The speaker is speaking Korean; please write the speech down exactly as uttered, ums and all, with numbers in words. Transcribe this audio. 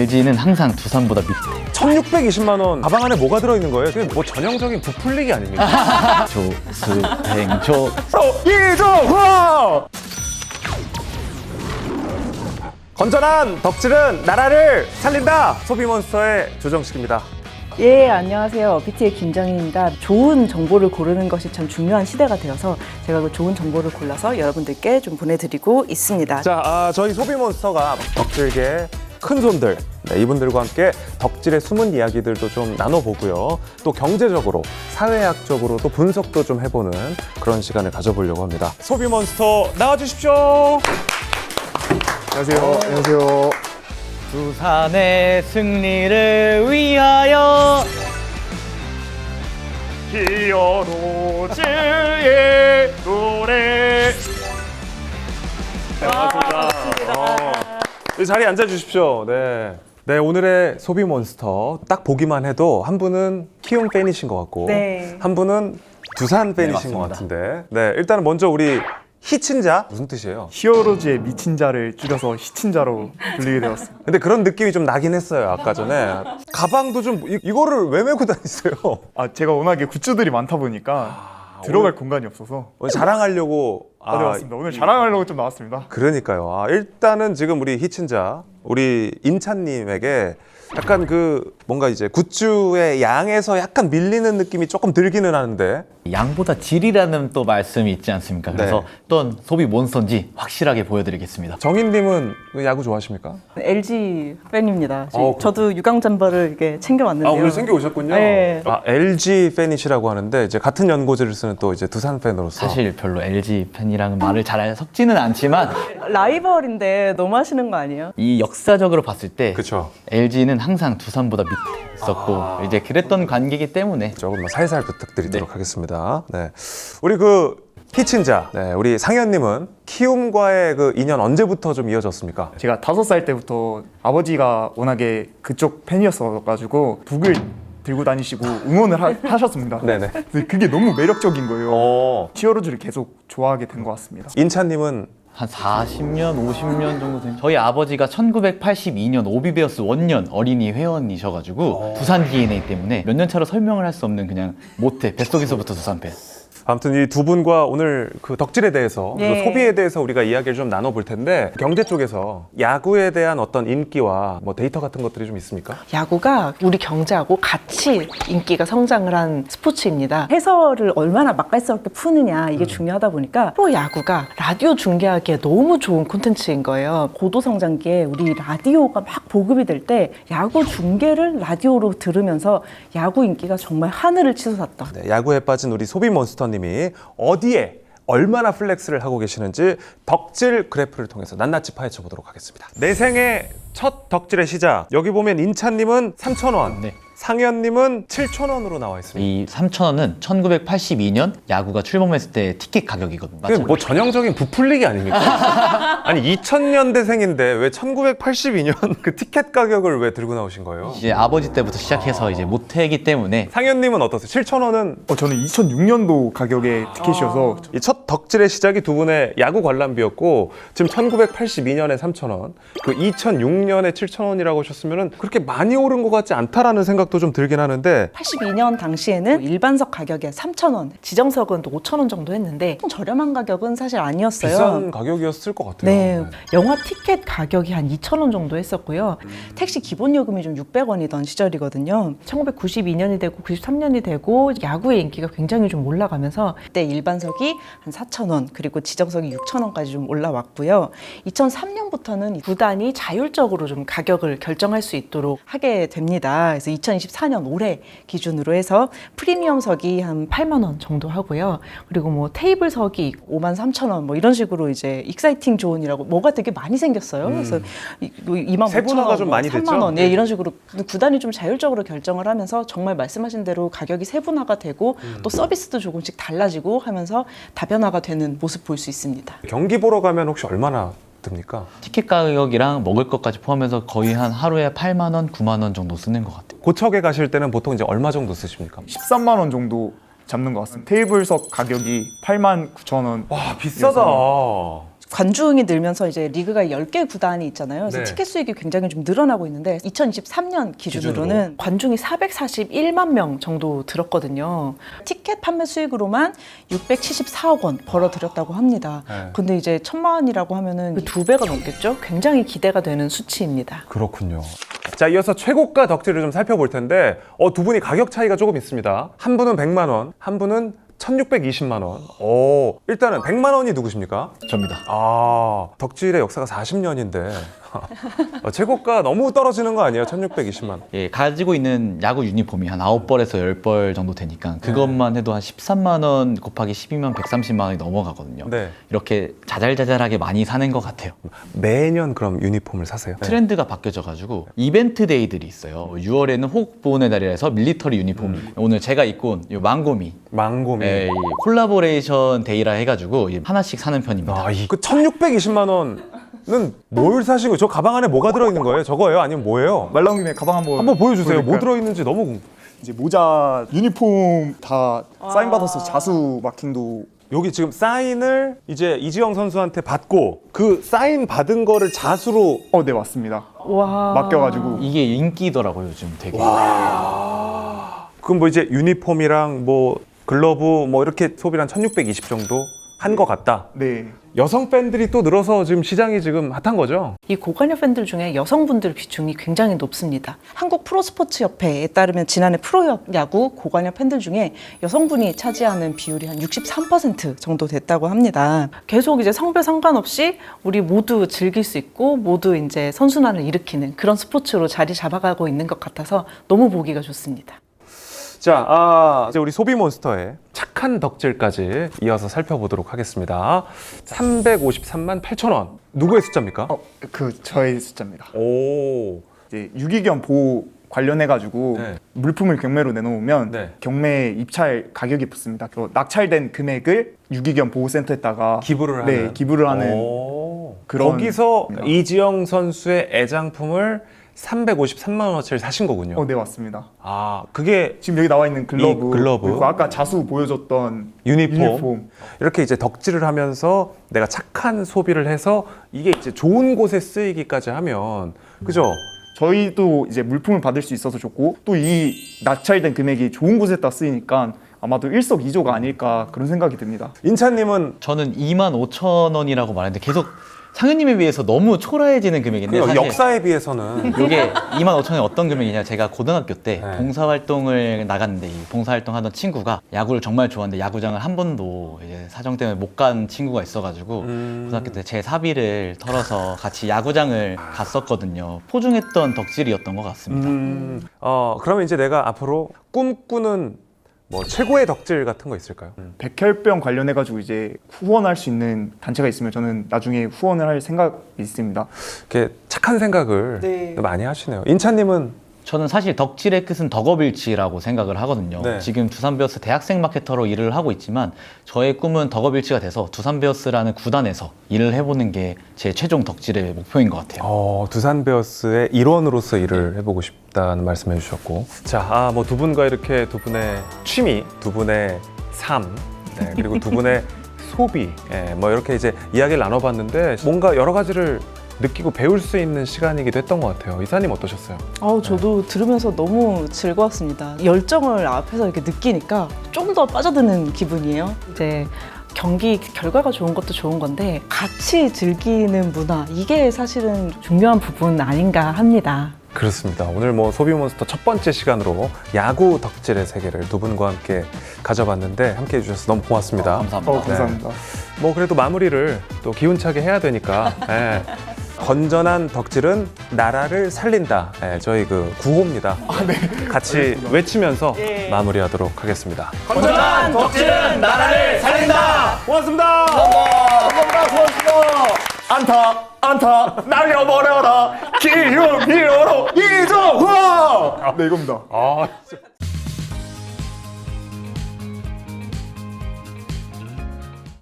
엘지는 항상 두산보다 밑에. 천육백이십만 원 가방 안에 뭐가 들어있는 거예요? 그게 뭐 전형적인 부풀리기 아닙니까? 조수행조. 이종화! 건전한 덕질은 나라를 살린다! 소비몬스터의 조정식입니다. 예, 안녕하세요. 비티의 김정희입니다. 좋은 정보를 고르는 것이 참 중요한 시대가 되어서 제가 그 좋은 정보를 골라서 여러분들께 좀 보내드리고 있습니다. 자, 아, 저희 소비몬스터가 덕질계 큰 손들, 네, 이분들과 함께 덕질의 숨은 이야기들도 좀 나눠보고요. 또 경제적으로, 사회학적으로 또 분석도 좀 해보는 그런 시간을 가져보려고 합니다. 소비몬스터 나와주십시오. 안녕하세요. 안녕하세요. 두산의 승리를 위하여. 히어로즈의 노래. 네, 반갑습니다. 어, 이 자리에 앉아주십시오. 네. 네, 오늘의 소비몬스터 딱 보기만 해도 한 분은 키움 팬이신 것 같고 네. 한 분은 두산 팬이신 네, 것 맞습니다. 같은데 네, 일단은 먼저 우리 히친자 무슨 뜻이에요? 히어로즈의 미친 자를 줄여서 히친자로 불리게 되었습니다. 근데 그런 느낌이 좀 나긴 했어요. 아까 전에 가방도 좀 이, 이거를 왜 메고 다니세요? 아, 제가 워낙에 굿즈들이 많다 보니까 들어갈 오늘- 공간이 없어서 오늘 자랑하려고 아, 네, 맞습니다. 오늘 자랑하려고 좀 나왔습니다. 그러니까요. 아, 일단은 지금 우리 히친자 우리 인찬님에게 약간 그 뭔가 이제 굿즈의 양에서 약간 밀리는 느낌이 조금 들기는 하는데 양보다 질이라는 또 말씀이 있지 않습니까? 그래서 네. 어떤 소비 몬스터인지 확실하게 보여드리겠습니다. 정인님은 야구 좋아하십니까? 엘지 팬입니다. 저- 어, 저도 유광 잠바를 이렇게 챙겨왔는데요. 오셨군요. 네. 아, 엘지 팬이시라고 하는데 이제 같은 연고지를 쓰는 또 이제 두산 팬으로서 사실 별로 엘지 팬이랑은 말을 잘 섞지는 않지만 라이벌인데 너무 하시는 거 아니에요? 이 역사적으로 봤을 때 그쵸. 엘지는 항상 두산보다 밑에 있었고 이제 그랬던 관계이기 때문에 조금 뭐 살살 부탁드리도록 네. 하겠습니다. 네, 우리 그 히친자, 네, 우리 상현님은 키움과의 그 인연 언제부터 좀 이어졌습니까? 제가 다섯 살 때부터 아버지가 워낙에 그쪽 팬이었어가지고 북을 들고 다니시고 응원을 하, 하셨습니다. 네네. 근데 그게 너무 매력적인 거예요. 어, 히어로즈를 계속 좋아하게 된 것 같습니다. 인찬님은 한 사십 년, 오십 년 정도 된 저희 아버지가 천구백팔십이 년 오비베어스 원년 어린이 회원이셔가지고 두산 디엔에이 때문에 몇 년 차로 설명을 할 수 없는 그냥 모태 뱃속에서부터 두산 팬. 아무튼 이 두 분과 오늘 그 덕질에 대해서 네. 그 소비에 대해서 우리가 이야기를 좀 나눠볼 텐데 경제 쪽에서 야구에 대한 어떤 인기와 뭐 데이터 같은 것들이 좀 있습니까? 야구가 우리 경제하고 같이 인기가 성장을 한 스포츠입니다. 해설을 얼마나 맛깔스럽게 푸느냐 이게 중요하다 보니까 프로 야구가 라디오 중계하기에 너무 좋은 콘텐츠인 거예요. 고도 성장기에 우리 라디오가 막 보급이 될 때 야구 중계를 라디오로 들으면서 야구 인기가 정말 하늘을 치솟았다. 네, 야구에 빠진 우리 소비몬스터님이 어디에 얼마나 플렉스를 하고 계시는지 덕질 그래프를 통해서 낱낱이 파헤쳐 보도록 하겠습니다. 내 생애 첫 덕질의 시작. 여기 보면 인찬님은 삼천 원, 네. 상현님은 칠천 원으로 나와 있습니다. 이 삼천 원은 천구백팔십이 년 야구가 출범했을 때 티켓 가격이거든요. 그게 뭐 전형적인 부풀리기 아닙니까? 아니 이천 년대생인데 왜 천구백팔십이 년 그 티켓 가격을 왜 들고 나오신 거예요? 이제 아버지 때부터 시작해서 이제 모태이기 때문에 상현님은 어떠세요? 칠천 원은 어, 저는 이천육 년도 가격의 티켓이어서 이 첫 덕질의 시작이 두 분의 야구 관람비였고 지금 천구백팔십이 년에 삼천 원, 그 이천육 년에 칠천 원이라고 하셨으면 그렇게 많이 오른 것 같지 않다라는 생각도 좀 들긴 하는데 팔십이 년 당시에는 일반석 가격이 삼천 원, 지정석은 또 오천 원 정도 했는데 저렴한 가격은 사실 아니었어요. 비싼 가격이었을 것 같아요. 네, 영화 티켓 가격이 한 이천 원 정도 했었고요. 택시 기본 요금이 좀 육백 원이던 시절이거든요. 천구백구십이 년이 되고 구십삼 년이 되고 야구의 인기가 굉장히 좀 올라가면서 그때 일반석이 한 사천 원 그리고 지정석이 육천 원까지 좀 올라왔고요. 이천삼 년부터는 구단이 자율적으로 좀 가격을 결정할 수 있도록 하게 됩니다. 그래서 이천이십사 년 올해 기준으로 해서 프리미엄석이 한 팔만 원 정도 하고요. 그리고 뭐 테이블석이 오만 삼천 원 뭐 이런 식으로 이제 익사이팅 존이라고 뭐가 되게 많이 생겼어요. 그래서 이만 오천 세분화가 원, 좀 뭐 많이 삼만 됐죠? 원 예, 이런 식으로 구단이 좀 자율적으로 결정을 하면서 정말 말씀하신 대로 가격이 세분화가 되고 또 서비스도 조금씩 달라지고 하면서 다변화가 되는 모습 볼 수 있습니다. 경기 보러 가면 혹시 얼마나 듭니까? 티켓 가격이랑 먹을 것까지 포함해서 거의 한 하루에 팔만 원, 구만 원 정도 쓰는 것 같아요. 고척에 가실 때는 보통 이제 얼마 정도 쓰십니까? 십삼만 원 정도 잡는 것 같습니다. 테이블석 가격이 팔만 구천 원. 와 비싸다. 관중이 늘면서 이제 리그가 열 개 구단이 있잖아요. 그래서 네. 티켓 수익이 굉장히 좀 늘어나고 있는데 이천이십삼 년 기준으로는 기준으로. 관중이 사백사십일만 명 정도 들었거든요. 티켓 판매 수익으로만 육백칠십사억 원 벌어들였다고 합니다. 네. 근데 이제 천만 원이라고 하면은 두 배가 넘겠죠? 굉장히 기대가 되는 수치입니다. 그렇군요. 자, 이어서 최고가 덕질을 좀 살펴볼 텐데 어, 두 분이 가격 차이가 조금 있습니다. 한 분은 백만 원, 한 분은 천육백이십만 원. 오, 일단은 백만 원이 누구십니까? 접니다. 아, 덕질의 역사가 사십 년인데 어, 최고가 너무 떨어지는 거 아니에요? 천육백이십만 원. 예, 가지고 있는 야구 유니폼이 한 아홉 벌에서 열 벌 정도 되니까 그것만 해도 한 십삼만 원 곱하기 십이면 백삼십만 원이 넘어가거든요. 네. 이렇게 자잘자잘하게 많이 사는 것 같아요. 매년 그럼 유니폼을 사세요? 트렌드가 바뀌어져가지고 이벤트 데이들이 있어요. 유월에는 호국보훈의 달이라 해서 밀리터리 유니폼. 오늘 제가 입고 온 이 망고미. 망고미. 예, 이 콜라보레이션 데이라 해가지고 이 하나씩 사는 편입니다. 아, 이, 그 천육백이십만 원은 뭘 사신 거예요? 저 가방 안에 뭐가 들어있는 거예요? 저거예요? 아니면 뭐예요? 말 나온 김에 가방 한번 한번 보여주세요. 뭐 보여드릴까요? 들어있는지 너무 궁... 이제 모자, 유니폼 다 사인 받아서 자수 마킹도 여기 지금 사인을 이제 이지영 선수한테 받고 그 사인 받은 거를 자수로 어, 네 맞습니다. 와. 맡겨가지고 이게 인기더라고요, 요즘 되게. 그럼 뭐 이제 유니폼이랑 뭐 글러브 뭐 이렇게 소비를 한 천육백이십 정도 한 것 같다. 네. 여성 팬들이 또 늘어서 지금 시장이 지금 핫한 거죠? 이 고관여 팬들 중에 여성분들 비중이 굉장히 높습니다. 한국 프로스포츠협회에 따르면 지난해 프로야구 고관여 팬들 중에 여성분이 차지하는 비율이 한 육십삼 퍼센트 정도 됐다고 합니다. 계속 이제 성별 상관없이 우리 모두 즐길 수 있고 모두 이제 선순환을 일으키는 그런 스포츠로 자리 잡아가고 있는 것 같아서 너무 보기가 좋습니다. 자, 아, 이제 우리 소비몬스터의 착한 덕질까지 이어서 살펴보도록 하겠습니다. 삼백오십삼만 팔천 원. 누구의 숫자입니까? 어, 그 저의 숫자입니다. 오. 이제 유기견 보호 관련해가지고 네. 물품을 경매로 내놓으면 네. 경매 입찰 가격이 붙습니다. 그 낙찰된 금액을 유기견 보호센터에다가 기부를 네, 하는. 기부를 하는 오. 그런 거기서 겁니다. 이지영 선수의 애장품을 삼백오십삼만 원어치를 사신 거군요. 어, 네 맞습니다. 아, 그게 지금 여기 나와 있는 글러브, 이 글러브. 그리고 아까 자수 보여줬던 유니폼. 유니폼. 이렇게 이제 덕질을 하면서 내가 착한 소비를 해서 이게 이제 좋은 곳에 쓰이기까지 하면 그죠? 저희도 이제 물품을 받을 수 있어서 좋고 또 이 낙찰된 금액이 좋은 곳에다 쓰이니까 아마도 일석이조가 아닐까 그런 생각이 듭니다. 인찬님은 저는 이만 오천 원이라고 말했는데 계속 상현님에 비해서 너무 초라해지는 금액인데 그 사실 역사에 비해서는 이게 이만 오천 원이 어떤 금액이냐, 제가 고등학교 때 네. 봉사활동을 나갔는데 이 봉사활동 하던 친구가 야구를 정말 좋아하는데 야구장을 한 번도 이제 사정 때문에 못 간 친구가 있어가지고 음. 고등학교 때 제 사비를 털어서 같이 야구장을 갔었거든요. 포중했던 덕질이었던 것 같습니다. 음, 어 그러면 이제 내가 앞으로 꿈꾸는 뭐 최고의 덕질 같은 거 있을까요? 백혈병 관련해가지고 이제 후원할 수 있는 단체가 있으면 저는 나중에 후원을 할 생각이 있습니다. 이렇게 착한 생각을 네. 많이 하시네요. 인찬님은 저는 사실 덕질의 끝은 덕업일치라고 생각을 하거든요. 네. 지금 두산베어스 대학생 마케터로 일을 하고 있지만 저의 꿈은 덕업일치가 돼서 두산베어스라는 구단에서 일을 해보는 게 제 최종 덕질의 목표인 것 같아요. 어, 두산 베어스의 일원으로서 일을 해보고 싶다는 말씀해 주셨고, 자, 아, 뭐 두 분과 이렇게 두 분의 취미, 두 분의 삶, 네, 그리고 두 분의 소비, 예, 뭐 이렇게 이제 이야기를 나눠봤는데 뭔가 여러 가지를 느끼고 배울 수 있는 시간이기도 했던 것 같아요. 이사님 어떠셨어요? 아우, 저도 들으면서 너무 즐거웠습니다. 열정을 앞에서 이렇게 느끼니까 좀 더 빠져드는 기분이에요. 이제 경기 결과가 좋은 것도 좋은 건데 같이 즐기는 문화, 이게 사실은 중요한 부분 아닌가 합니다. 그렇습니다. 오늘 뭐 소비몬스터 첫 번째 시간으로 야구 덕질의 세계를 두 분과 함께 가져봤는데 함께 해주셔서 너무 고맙습니다. 감사합니다. 어, 감사합니다. 뭐 그래도 마무리를 또 기운차게 해야 되니까 예. 건전한 덕질은 나라를 살린다. 예, 저희 그 구호입니다. 같이 외치면서 마무리하도록 하겠습니다. 건전한 덕질은 나라를 살린다! 고맙습니다. 감사합니다. 고맙습니다. 안타, 안타, 날려버려라. 기운 히어로 이정화. 네, 이겁니다. 아, 진짜.